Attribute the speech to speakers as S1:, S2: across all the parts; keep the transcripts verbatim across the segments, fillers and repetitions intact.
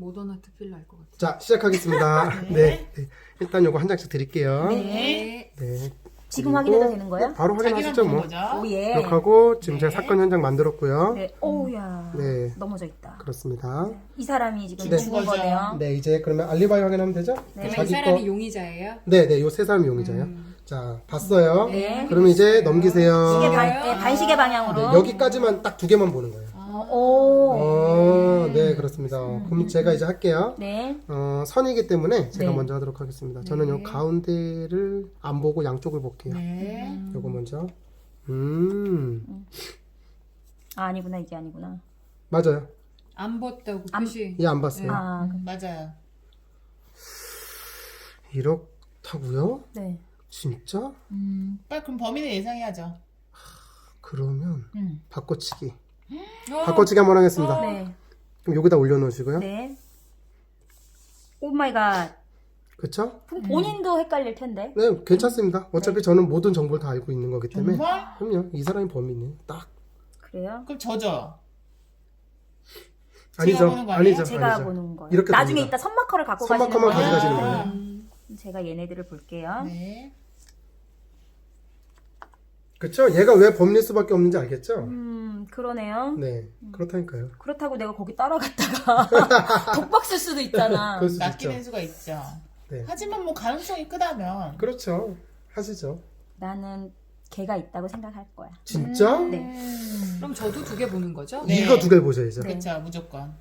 S1: 모던 아트 필러 할 것 같아요.
S2: 자, 시작하겠습니다. 네.
S3: 네.
S2: 네. 일단 요거 한 장씩 드릴게요.
S3: 네.
S2: 네.
S4: 지금
S2: 그리고
S4: 확인해도 되는 거예요?
S2: 바로
S3: 자기만
S2: 확인하시죠,
S3: 보는
S2: 뭐.
S3: 거죠.
S4: 오예.
S2: 이렇게 하고 지금
S3: 네.
S2: 제가 사건 현장 만들었고요.
S4: 네. 오우야.
S2: 네.
S4: 넘어져 있다.
S2: 그렇습니다.
S4: 이 사람이 지금
S2: 네.
S4: 죽은 거네요.
S2: 네, 이제 그러면 알리바이 확인하면 되죠?
S4: 네.
S1: 그러면 이 사람이 용의자예요?
S2: 네, 네, 요 세 사람이 용의자예요.
S1: 음.
S2: 자, 봤어요.
S4: 네.
S2: 그러면 이제 넘기세요.
S4: 시계
S1: 네.
S4: 반, 네, 반시계 방향으로.
S2: 네, 여기까지만 딱 두 개만 보는 거예요.
S4: 어, 오.
S2: 어, 네, 그렇습니다. 그럼 제가 이제 할게요.
S4: 네.
S2: 어, 선이기 때문에 제가
S4: 네.
S2: 먼저 하도록 하겠습니다. 저는 요 가운데를 안 보고 양쪽을 볼게요.
S3: 네.
S2: 요거 먼저. 음,
S4: 아, 아니구나. 이게 아니구나.
S2: 맞아요.
S1: 안 봤다고
S4: 안-
S1: 표시.
S2: 얘 안 봤어요.
S4: 아,
S3: 음, 맞아요.
S2: 이렇다고요?
S4: 네.
S2: 진짜?
S3: 음, 빨리 그럼 범인을 예상해야죠.
S2: 그러면
S3: 음.
S2: 바꿔치기.
S1: 어,
S2: 바꿔치기 한번 하겠습니다.
S4: 네.
S2: 그럼 여기다 올려놓으시고요.
S4: 네. 오 마이 갓.
S2: 그쵸?
S4: 그럼 본인도 헷갈릴 텐데.
S2: 네, 괜찮습니다. 어차피 저는 모든 정보를 다 알고 있는 거기 때문에.
S3: 정말?
S2: 그럼요. 이 사람이 범인이에요. 딱.
S4: 그래요?
S3: 그럼 저죠.
S2: 아니죠.
S3: 보는 거 아니에요?
S2: 아니죠.
S4: 제가
S2: 아니죠.
S4: 보는 거예요.
S2: 이렇게
S4: 나중에
S2: 됩니다.
S4: 이따 선마커를 갖고
S2: 선마커만
S4: 가시는
S2: 가져가시는
S4: 거예요.
S2: 거예요.
S1: 음.
S4: 제가 얘네들을 볼게요.
S3: 네.
S2: 그쵸? 얘가 왜 범인일 수밖에 없는지 알겠죠?
S4: 음, 그러네요.
S2: 네. 그렇다니까요.
S4: 그렇다고 내가 거기 따라갔다가 독박 쓸 수도 있잖아.
S2: 그럴 수도 있죠.
S3: 낚이는 수가 있죠.
S2: 네.
S3: 하지만 뭐 가능성이 크다면.
S2: 그렇죠. 하시죠.
S4: 나는 걔가 있다고 생각할 거야.
S2: 진짜?
S3: 음.
S4: 네.
S1: 그럼 저도 두 개 보는 거죠?
S3: 네.
S2: 이거 두 개 보셔야죠.
S4: 네.
S3: 그쵸, 무조건.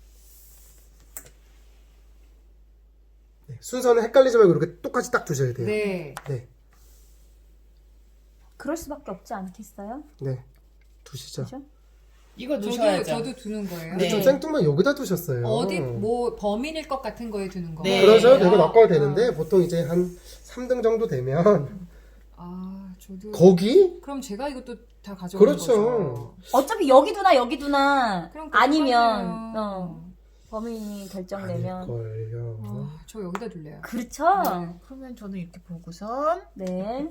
S2: 네. 순서는 헷갈리지 말고 이렇게 똑같이 딱 두셔야 돼요.
S1: 네.
S2: 네.
S4: 그럴 수밖에 없지 않겠어요?
S2: 네. 두시죠.
S4: 그죠?
S3: 이거
S1: 저도
S3: 놓으셔야죠.
S1: 저도 두는 거예요.
S2: 근데
S3: 네.
S2: 좀 생뚱만 여기다 두셨어요.
S1: 어디 뭐 범인일 것 같은 거에 두는 거.
S3: 네.
S2: 그러죠.
S3: 네.
S2: 내가 낚아야 되는데 보통 이제 한 삼 등 정도 되면
S1: 아, 저도.
S2: 거기?
S1: 그럼 제가 이것도 다 가져오는
S2: 그렇죠.
S1: 거죠.
S4: 어차피 여기 두나 여기 두나
S1: 그럼
S4: 아니면
S1: 그렇잖아요.
S4: 어, 범인이 결정되면
S2: 아닐걸요.
S1: 아, 저 여기다 둘래요.
S4: 그렇죠?
S1: 네.
S3: 그러면 저는 이렇게 보고선.
S4: 네.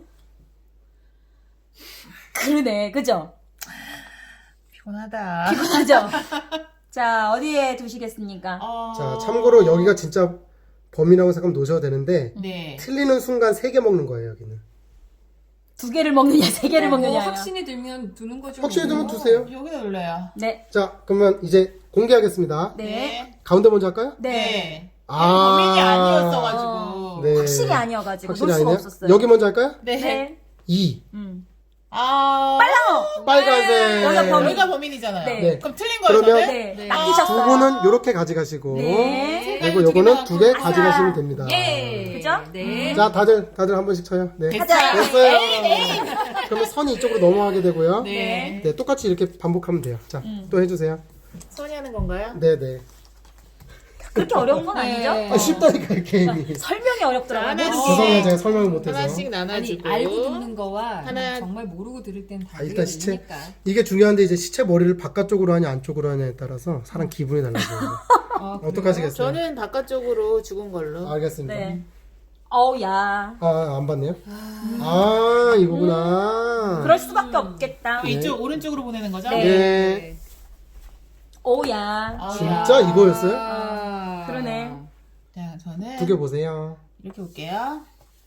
S4: 그러네, 그죠?
S3: 피곤하다.
S4: 피곤하죠? 자, 어디에 두시겠습니까?
S3: 어...
S2: 자, 참고로 여기가 진짜 범인이라고 생각하면 놓으셔야 되는데
S3: 네.
S2: 틀리는 순간 세 개 먹는 거예요, 여기는.
S4: 두 개를 먹느냐, 세 개를
S1: 뭐
S4: 먹느냐.
S1: 확신이 들면 두는 거죠.
S2: 확신이
S1: 뭐.
S2: 들면 두세요.
S3: 여기다 눌러요.
S4: 네.
S2: 자, 그러면 이제 공개하겠습니다.
S4: 네.
S2: 가운데 먼저 할까요?
S4: 네.
S3: 네.
S2: 아.
S3: 범인이 아니었어가지고.
S2: 네.
S4: 확실히 아니어가지고
S2: 확실히
S4: 놓을 수가
S2: 아니에요?
S4: 없었어요.
S2: 여기 먼저 할까요?
S3: 네.
S4: 네.
S2: 이.
S4: 음.
S3: 아.
S4: 빨라!
S2: 빨간색.
S4: 여기가 범인.
S3: 여기가 범인이잖아요.
S4: 네.
S2: 네.
S3: 그럼 틀린 거예요,
S2: 그러면-
S3: 저는?
S4: 네.
S1: 네.
S2: 두
S4: 낚이셨어요.
S2: 분은 이렇게 가져가시고
S4: 네.
S2: 그리고
S3: 두
S2: 요거는
S3: 개만
S2: 두 개
S3: 갖고
S2: 가져가시면
S4: 아싸.
S2: 됩니다.
S1: 예.
S4: 그죠?
S1: 네.
S2: 자, 다들 다들 한 번씩 쳐요. 네.
S4: 가자.
S2: 됐어요. 그러면 선이 이쪽으로 넘어가게 되고요.
S3: 네.
S2: 네, 똑같이 이렇게 반복하면 돼요. 자,
S4: 음.
S2: 또 해주세요.
S3: 선이 하는 건가요?
S2: 네, 네.
S4: 그렇게 어려운 건
S1: 네.
S4: 아니죠?
S2: 아, 쉽다니까 이 게임이.
S4: 설명이 어렵더라고요.
S3: 하나씩.
S4: 모르겠어요.
S2: 죄송해요, 제가 설명을 못해서.
S3: 하나씩
S1: 아니
S3: 나눠주고.
S1: 알고 듣는 거와
S3: 하나.
S1: 정말 모르고 들을 땐 다
S2: 아, 일단 시체
S1: 들리니까.
S2: 이게 중요한데 이제 시체 머리를 바깥쪽으로 하냐 안쪽으로 하냐에 따라서 사람 기분이 달라져요.
S1: 아,
S2: 어떡하시겠어요?
S3: 저는 바깥쪽으로 죽은 걸로.
S2: 알겠습니다.
S4: 네. 어우, 야.
S2: 아, 안 봤네요. 아, 이거구나.
S4: 그럴 수밖에 없겠다.
S3: 그럼 이쪽 오른쪽으로 보내는 거죠?
S4: 네.
S2: 네.
S4: 어우, 야.
S3: 아,
S2: 진짜 이거였어요?
S1: 아,
S4: 그러네.
S3: 자, 저는
S2: 두 개 보세요.
S3: 이렇게 볼게요.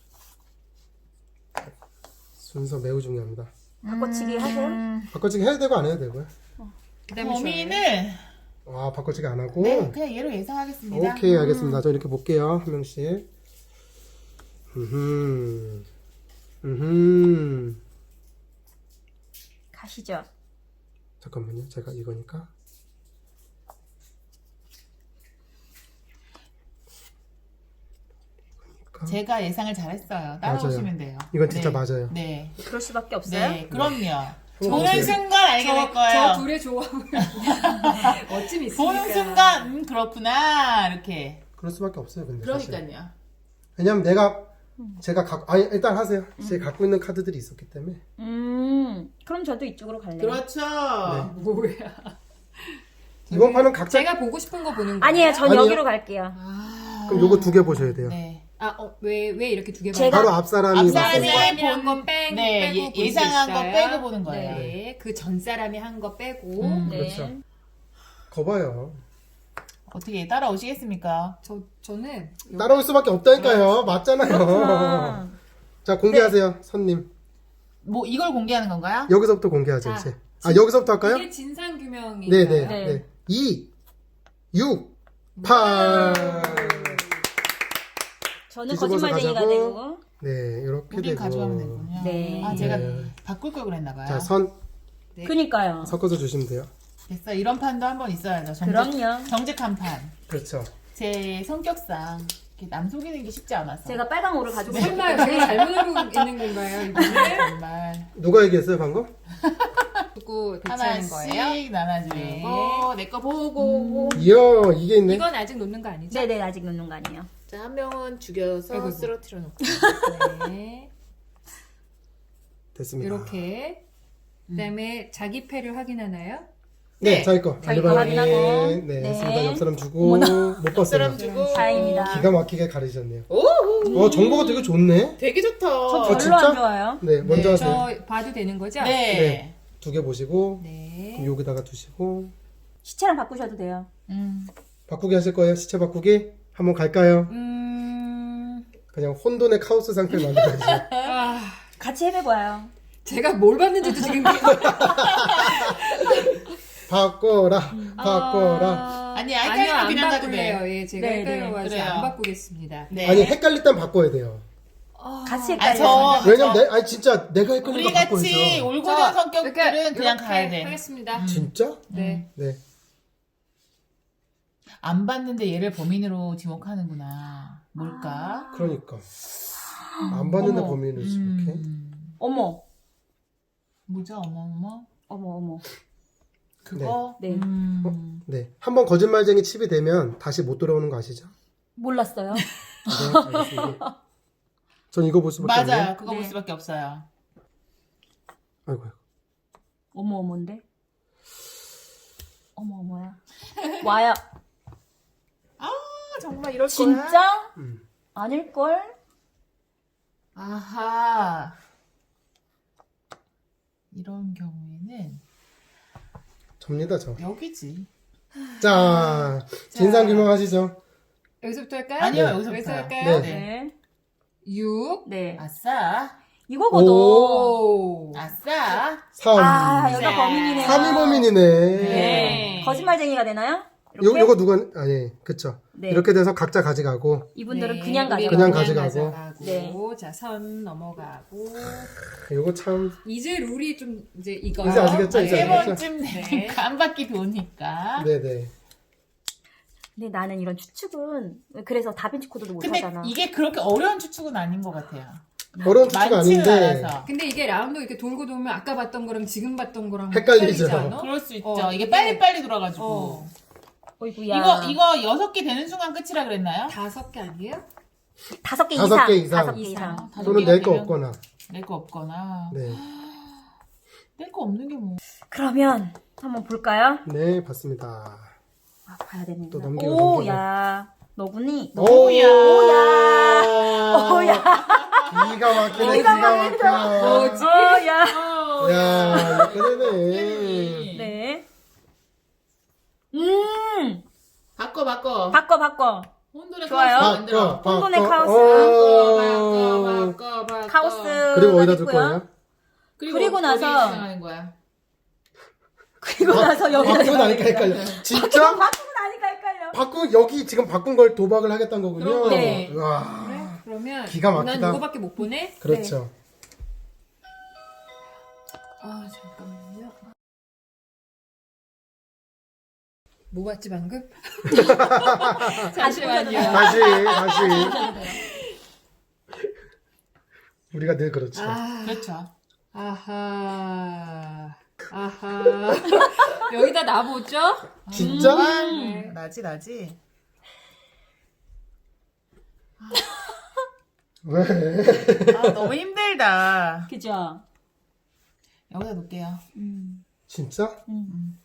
S2: 순서 매우 중요합니다.
S4: 바꿔치기 하세요?
S2: 바꿔치기 해야 되고 안 해야 되고요.
S1: 그다음에
S3: 범인을
S2: 아, 바꿔치기 안 하고.
S3: 네, 그냥 얘로 예상하겠습니다.
S2: 오케이, 알겠습니다. 저 이렇게 볼게요. 한 명씩. 음. 음.
S4: 가시죠.
S2: 잠깐만요. 제가 이거니까. 이거니까.
S3: 제가 예상을 잘했어요. 따라오시면 돼요.
S2: 이건 진짜
S3: 네.
S2: 맞아요.
S3: 네.
S4: 그럴 수밖에 없어요?
S3: 네, 그럼요.
S2: 한번
S3: 보는
S2: 보세요.
S3: 순간 알게 될
S1: 저,
S3: 거예요.
S1: 저 둘의 조합을 어쩜 있으니까.
S3: 보는 순간 음 그렇구나 이렇게.
S2: 그럴 수밖에 없어요. 근데 사실.
S3: 그러니까요.
S2: 왜냐면 내가 제가 갖고 아니 일단 하세요. 제가 갖고 있는 카드들이 있었기 때문에.
S4: 음, 그럼 저도 이쪽으로 갈래요.
S3: 그렇죠.
S2: 네.
S1: 뭐야?
S2: 이번 판은 각자
S1: 제가 보고 싶은 거 보는 거예요?
S4: 아니에요, 전
S2: 아니에요?
S4: 여기로 갈게요.
S3: 아.
S2: 그럼 요거 두 개 보셔야 돼요.
S3: 네.
S1: 아, 어, 왜, 왜 이렇게 두 개
S4: 제가-
S2: 바로 앞 사람이
S3: 앞
S2: 봤어요.
S3: 사람이
S1: 사람이
S3: 본-
S1: 한거 빼,
S3: 네,
S1: 빼고
S3: 예-
S1: 볼
S3: 예상한
S1: 수
S3: 거
S1: 있어요.
S3: 빼고 보는 거예요.
S1: 네, 그 전 사람이 한 거 빼고.
S3: 음.
S4: 네.
S2: 그렇죠. 거봐요.
S3: 어떻게 따라오시겠습니까?
S1: 저 저는
S2: 따라올 수밖에 없다니까요. 맞잖아요.
S4: 그렇구나.
S2: 자, 공개하세요, 선님.
S3: 뭐 이걸 공개하는 건가요?
S2: 여기서부터 공개하죠,
S1: 자,
S2: 이제. 아, 여기서부터 할까요?
S1: 이게 진상 규명이.
S2: 네네.
S4: 네.
S2: 네. 이, 육, 팔.
S4: 저는
S2: 뒤집어서
S4: 거짓말쟁이가
S2: 가자고.
S4: 되고.
S2: 네, 이렇게
S3: 우린
S2: 되고.
S3: 가져가면 되군요.
S4: 네.
S3: 아 제가
S2: 네.
S3: 바꿀 걸 그랬나봐요.
S2: 자, 선
S1: 네.
S4: 그니까요.
S2: 섞어서 주시면 돼요.
S3: 됐어. 이런 판도 한번 있어야죠. 정직,
S4: 그럼요.
S3: 정직한 판.
S2: 그렇죠.
S3: 제 성격상 이렇게 남 속이는 게 쉽지 않아서.
S4: 제가 빨강 오를 가지고
S1: 설마 제가 잘못 알고 있는 건가요, 이번에?
S3: 정말
S2: 누가 얘기했어요, 방금?
S1: 두고 대체하는 거예요?
S3: 하나씩 나눠주고
S1: 네.
S3: 내 거 보고.
S2: 이야, 이게 있네.
S1: 이건 아직 놓는 거 아니죠?
S4: 네네 아직 놓는 거 아니에요.
S3: 자, 한 명은 죽여서
S1: 아이고.
S3: 쓰러뜨려 놓고.
S1: 네.
S2: 됐습니다.
S1: 이렇게. 그다음에 자기 패를 확인하나요?
S2: 네,
S3: 네.
S2: 자기 거.
S4: 자기 거
S2: 알리바이.
S4: 확인하고.
S2: 네,
S4: 네.
S2: 됐습니다. 옆 사람 주고. 못 봤어요.
S3: 사람 주고.
S4: 다행입니다.
S2: 기가 막히게 가리셨네요.
S3: 오,
S2: 어, 정보가 되게 좋네.
S3: 되게 좋다.
S4: 저
S2: 어,
S4: 별로
S2: 진짜?
S4: 안 좋아요.
S2: 네, 먼저
S3: 네,
S2: 하세요.
S1: 저 봐도 되는 거죠?
S3: 네.
S2: 네. 두 개 보시고,
S1: 네.
S2: 여기다가 두시고.
S4: 시체랑 바꾸셔도 돼요.
S3: 음.
S2: 바꾸기 하실 거예요? 시체 바꾸기? 한번 갈까요?
S1: 음.
S2: 그냥 혼돈의 카오스 상태를 만들어야죠.
S1: 아,
S4: 같이 해봐봐요.
S1: 제가 뭘 봤는지도 지금
S2: 바꿔라, 바꿔라.
S1: 아,
S3: 아니,
S1: 아니요,
S3: 헷갈리면
S1: 안
S3: 그냥 가도
S1: 바꿀래요. 예, 제가
S4: 네, 네,
S1: 헷갈려가지고
S3: 그래요.
S1: 안 바꾸겠습니다.
S3: 네.
S2: 아니, 헷갈릴 땐 바꿔야 돼요.
S1: 아,
S4: 같이
S3: 아,
S4: 헷갈려요.
S3: 저,
S2: 왜냐면, 내, 아니, 진짜 내가 헷갈리니까
S3: 우리 같이
S2: 바꿔야죠.
S3: 올고전
S1: 자,
S3: 성격들은
S1: 그러니까
S3: 그냥
S1: 이렇게
S3: 가야 돼.
S1: 하겠습니다.
S2: 진짜?
S1: 네.
S2: 네.
S3: 안 봤는데 얘를 범인으로 지목하는구나. 뭘까?
S2: 그러니까. 안 봤는데
S4: 어머.
S2: 범인을 이렇게.
S3: 음.
S4: 어머,
S3: 뭐죠? 어머어머.
S4: 어머, 어머.
S3: 그거?
S4: 네. 네.
S3: 음.
S2: 네. 한번 거짓말쟁이 칩이 되면 다시 못 돌아오는 거 아시죠?
S4: 몰랐어요.
S2: 네, 알겠습니다. 전 이거 볼 수밖에 없네요.
S3: 맞아요. 그거
S4: 네.
S3: 볼 수밖에 없어요.
S2: 아이고, 아이고.
S4: 어머, 어머인데? 어머, 어머야. 와요.
S3: 아, 정말 이럴 거야?
S4: 진짜?
S2: 음.
S4: 아닐걸?
S3: 아하. 이런 경우에는
S2: 접니다, 저.
S3: 여기지.
S2: 자, 진상 규명하시죠.
S1: 여기서부터 할까요?
S3: 아니요,
S2: 네.
S3: 여기서부터.
S1: 여기서 할까요?
S2: 네.
S4: 네.
S1: 육.
S4: 네.
S3: 아싸.
S4: 이거거든.
S1: 오.
S3: 아싸.
S2: 삼.
S4: 아, 여자
S3: 네.
S4: 범인이네요.
S2: 삼 위 범인이네.
S4: 네. 거짓말쟁이가 되나요? 이렇게?
S2: 요, 요거 누가, 아니, 그쵸.
S4: 네.
S2: 이렇게 돼서 각자 가져가고,
S4: 이분들은
S1: 네,
S4: 그냥
S1: 우리
S4: 가져가.
S2: 그냥
S1: 그냥
S2: 가져가고.
S1: 가져가고.
S4: 네.
S1: 자, 선 넘어가고.
S2: 요거 참,
S1: 이제 룰이 좀 이제 이거.
S2: 이제 아시겠죠?
S3: 아,
S2: 이제
S3: 세
S2: 아시겠죠?
S3: 번쯤 되니까 한 바퀴 도니까.
S2: 네네.
S4: 근데 나는 이런 추측은 그래서 다빈치 코드도 못
S3: 근데
S4: 하잖아.
S3: 이게 그렇게 어려운 추측은 아닌 것 같아요.
S2: 어려운 추측
S3: 많지는
S2: 아닌데,
S3: 않아서.
S1: 근데 이게 라운드 이렇게 돌고 돌면 아까 봤던 거랑 지금 봤던 거랑
S2: 헷갈리죠.
S1: 헷갈리지 않아?
S3: 그럴 수 있죠.
S1: 어,
S3: 이게
S1: 이게-
S3: 빨리빨리 돌아가지고.
S1: 어.
S4: 어이구야.
S3: 이거, 이거 여섯 개 되는 순간 끝이라 그랬나요?
S1: 다섯 개 아니에요?
S4: 다섯 개
S2: 다섯
S4: 이상.
S2: 개 이상.
S4: 다섯 개 이상.
S3: 다섯
S2: 또는
S3: 개가
S2: 낼 거
S3: 되면
S2: 없거나.
S3: 낼 거 없거나.
S2: 네.
S3: 낼 거 없는 게 뭐.
S4: 그러면 한번 볼까요?
S2: 네, 봤습니다.
S4: 아, 봐야 되는구나.
S2: 또 넘기고,
S4: 오,
S2: 넘기고.
S4: 야. 너구니? 너...
S3: 오야.
S4: 오야. 오야.
S2: 기가 막히네,
S4: 기가
S2: 기가
S4: 막히다.
S2: 막혀.
S1: 뭐지?
S4: 오야.
S2: 야, 이렇게 되네.
S4: 네. 음.
S3: 바꿔, 바꿔.
S4: 바꿔, 바꿔.
S3: 혼돈의
S4: 좋아요.
S3: 카오스 만들어.
S2: 바꿔,
S4: 혼돈의
S2: 바꿔.
S4: 카오스.
S2: 어.
S3: 바꿔, 바꿔, 바꿔.
S4: 카오스.
S2: 그리고 어디다 줄 거예요?
S3: 그리고,
S4: 그리고 나서-
S3: 어디 지나가는 거야?
S4: 그리고 나서 여기
S2: 바꾸고 나니까 헷갈려. 진짜?
S4: 바꾸고 나니까 헷갈려.
S2: 바꾸 여기 지금 바꾼 걸 도박을 하겠다는 거군요.
S4: 네.
S2: 와,
S1: 그래? 그러면
S2: 기가 막히다.
S1: 난 이거밖에 못 보내?
S2: 그렇죠.
S1: 아 잠깐만요. 뭐 봤지 방금? 잠시만요.
S2: 다시, 다시. 우리가 늘 그렇죠.
S1: 아,
S3: 그렇죠.
S1: 아하, 아하. 여기다 놔보죠?
S2: 진짜?
S1: 네.
S3: 나지, 나지.
S2: 왜?
S3: 아, 너무 힘들다.
S4: 그죠?
S3: 여기다 놓을게요.
S4: 음.
S2: 진짜?
S4: 음.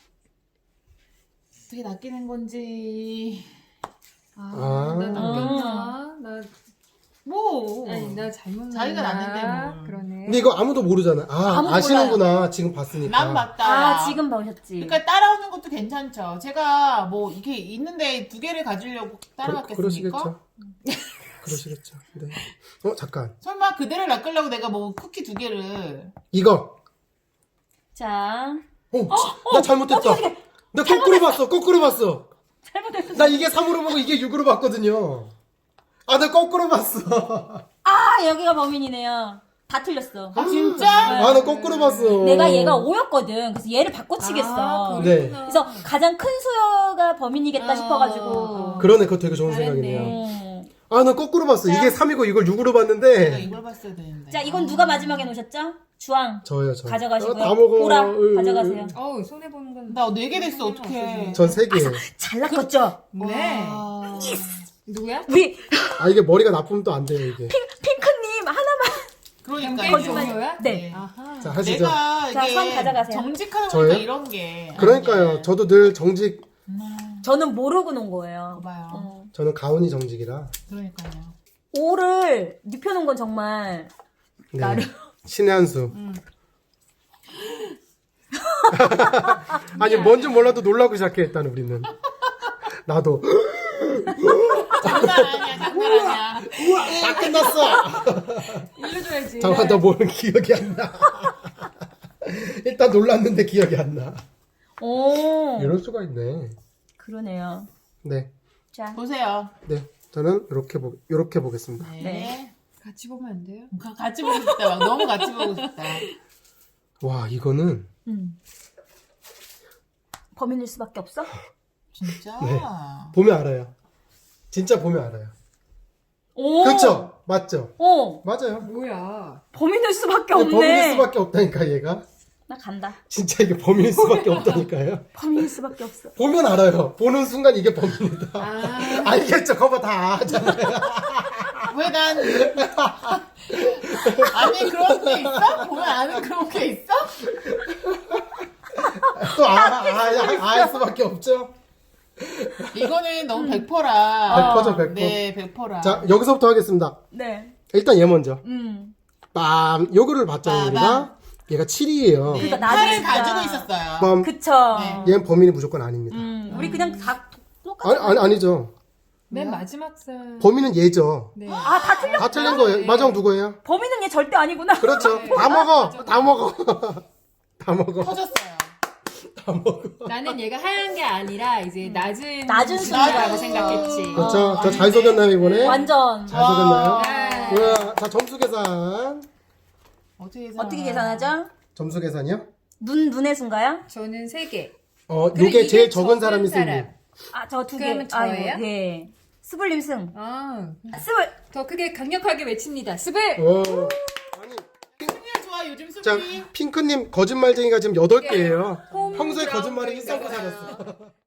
S3: 어떻게 낚이는 건지.
S1: 아,
S2: 아.
S1: 나 남겼나? 나
S3: 뭐.
S1: 아니 나 잘못
S3: 자기가
S1: 놨나?
S3: 놨는데 뭘.
S1: 그러네.
S2: 근데 이거 아무도 모르잖아. 아,
S4: 아무도
S2: 아시는구나. 지금 봤으니까.
S3: 난 맞다.
S4: 아, 지금 보셨지.
S3: 그러니까 따라오는 것도 괜찮죠. 제가 뭐 이게 있는데 두 개를 가지려고 따라갔겠습니까?
S2: 그러시겠죠. 그러시겠죠. 네. 어, 잠깐.
S3: 설마 그대를 낚으려고 내가 뭐 쿠키 두 개를.
S2: 이거.
S4: 자,
S2: 어, 나 잘못했다. 나 거꾸로 봤어. 거꾸로 봤어.
S4: 잘못했어.
S2: 나 이게 삼으로 보고 이게 육으로 봤거든요. 아, 나 거꾸로 봤어.
S4: 아, 여기가 범인이네요. 다 틀렸어.
S3: 아 진짜?
S2: 아, 나 거꾸로 봤어.
S4: 내가 얘가 오였거든. 그래서 얘를 바꿔치겠어.
S1: 아,
S2: 네.
S1: 그렇구나.
S4: 그래서 가장 큰 수여가 범인이겠다
S1: 아,
S4: 싶어가지고.
S2: 그러네. 그거 되게 좋은
S1: 잘했네.
S2: 생각이네요.
S4: 음.
S2: 아, 나 거꾸로 봤어.
S4: 자.
S2: 이게 삼이고 이걸 육으로
S3: 내가
S2: 봤는데.
S3: 이걸 봤어야 되는데.
S4: 자, 이건 누가 마지막에 놓으셨죠? 주황.
S2: 저요, 저.
S4: 가져가시고요.
S2: 아, 다 먹어.
S4: 보라
S2: 으,
S4: 가져가세요.
S1: 어우, 손해보는 건.
S3: 나 네 개 됐어. 어떡해.
S2: 전 세 개.
S4: 잘 낚았죠?
S1: 네.
S3: 와.
S1: 누구야?
S4: 우리
S2: 아, 이게 머리가 나쁘면 또 안 돼요, 이게.
S4: 핑크님 하나만.
S3: 그러니까
S1: 게임
S3: 이게
S1: 종료야?
S4: 네.
S1: 아하.
S2: 자, 하시죠.
S3: 내가
S4: 자,
S3: 이게
S4: 선 가져가세요.
S3: 정직하다
S2: 저요?
S3: 보니까 이런 게.
S2: 그러니까요.
S3: 아니네.
S2: 저도 늘 정직,
S4: 저는 모르고 놓은 거예요.
S3: 봐봐요.
S4: 어.
S2: 저는 가온이 정직이라.
S3: 그러니까요.
S4: 오를 눕혀놓은 건 정말
S2: 네.
S4: 나름.
S2: 신의 한 수.
S3: 음.
S2: 아니, 뭔지 몰라도 놀라고 시작해, 일단 우리는. 나도.
S3: 장난 아니야, 장난 아니야.
S2: 다 끝났어!
S1: 일러줘야지.
S2: 잠깐, 나 뭘 기억이 안 나. 일단 놀랐는데 기억이 안 나.
S4: 오.
S2: 이럴 수가 있네.
S4: 그러네요.
S2: 네.
S4: 자,
S3: 보세요.
S2: 네. 저는 이렇게 보, 이렇게 보겠습니다.
S3: 네.
S4: 네.
S1: 같이 보면 안 돼요?
S3: 가- 같이 보고 싶다. 막 너무 같이 보고 싶다.
S2: 와, 이거는.
S4: 음. 범인일 수밖에 없어?
S3: 진짜?
S2: 네. 보면 알아요. 진짜 보면 알아요.
S4: 오.
S2: 그렇죠? 맞죠?
S4: 오.
S2: 맞아요.
S1: 뭐야.
S4: 범인일 수밖에
S2: 근데
S4: 없네.
S2: 범인일 수밖에 없다니까, 얘가.
S4: 나 간다.
S2: 진짜 이게 범인일 수밖에 없다니까요.
S4: 범인일 수밖에 없어.
S2: 보면 알아요. 보는 순간 이게 범인이다.
S1: 아.
S2: 알겠죠? 거봐 다 아잖아요.
S3: 왜 난. 아니, 그런 게 있어? 보면 아는 그런 게 있어?
S2: 또 아, 아, 아, 알 수밖에 없죠?
S3: 이거는 너무 백 퍼센트라.
S2: 백 퍼센트죠, 백 퍼센트.
S3: 네, 백 퍼센트라.
S2: 자, 여기서부터 하겠습니다.
S4: 네.
S2: 일단 얘 먼저.
S4: 음.
S2: 빰! 요거를 봤잖아요,
S3: 빠밤.
S2: 우리가. 얘가 칠이에요.
S3: 네,
S4: 그러니까 나도
S3: 팔을
S4: 진짜-
S3: 가지고 있었어요.
S2: 빰.
S4: 그쵸.
S3: 네.
S2: 얘는 범인이 무조건 아닙니다.
S4: 음. 우리 그냥 다 똑같아.
S2: 아니, 아니, 아니죠.
S1: 맨 마지막 살.
S2: 범인은 얘죠.
S1: 네.
S4: 아, 다 틀려.
S2: 다 틀린 거예요.
S1: 네.
S2: 마정 누구예요?
S4: 범인은 얘 절대 아니구나.
S2: 그렇죠.
S1: 네.
S2: 다 먹어.
S1: 맞아.
S2: 다 먹어. 다 먹어.
S3: 터졌어요.
S2: 다 먹어.
S1: 나는 얘가 하얀 게 아니라 이제 낮은
S4: 낮은
S1: 수준이라고
S3: 수준.
S1: 생각했지.
S2: 그렇죠.
S3: 어,
S2: 저 잘
S3: 아닌데.
S2: 속였나요, 이번에?
S4: 완전.
S2: 잘 속였나요?
S1: 네.
S2: 우와, 자, 점수 계산.
S3: 어떻게 계산?
S4: 어떻게 계산하죠?
S2: 점수 계산이요?
S4: 눈, 눈의 수인가요?
S1: 저는 세 개.
S2: 어,
S1: 그래,
S2: 요게
S1: 이게
S2: 제일 적은
S1: 적은
S2: 사람이
S1: 사람.
S2: 승리.
S4: 아, 저 두 개.
S1: 그러면 저예요?
S4: 아이고, 예. 스불님 승.
S1: 아,
S4: 아, 스불.
S1: 더 크게 강력하게 외칩니다. 스불!
S2: 오. 아니,
S3: 수빈이 좋아, 요즘
S2: 자,
S3: 수빈이.
S2: 핑크님 거짓말쟁이가 지금 여덟 개예요.
S1: 홈
S2: 평소에
S1: 그라운드
S2: 거짓말이
S1: 있어요.
S2: 일삼고 살았어.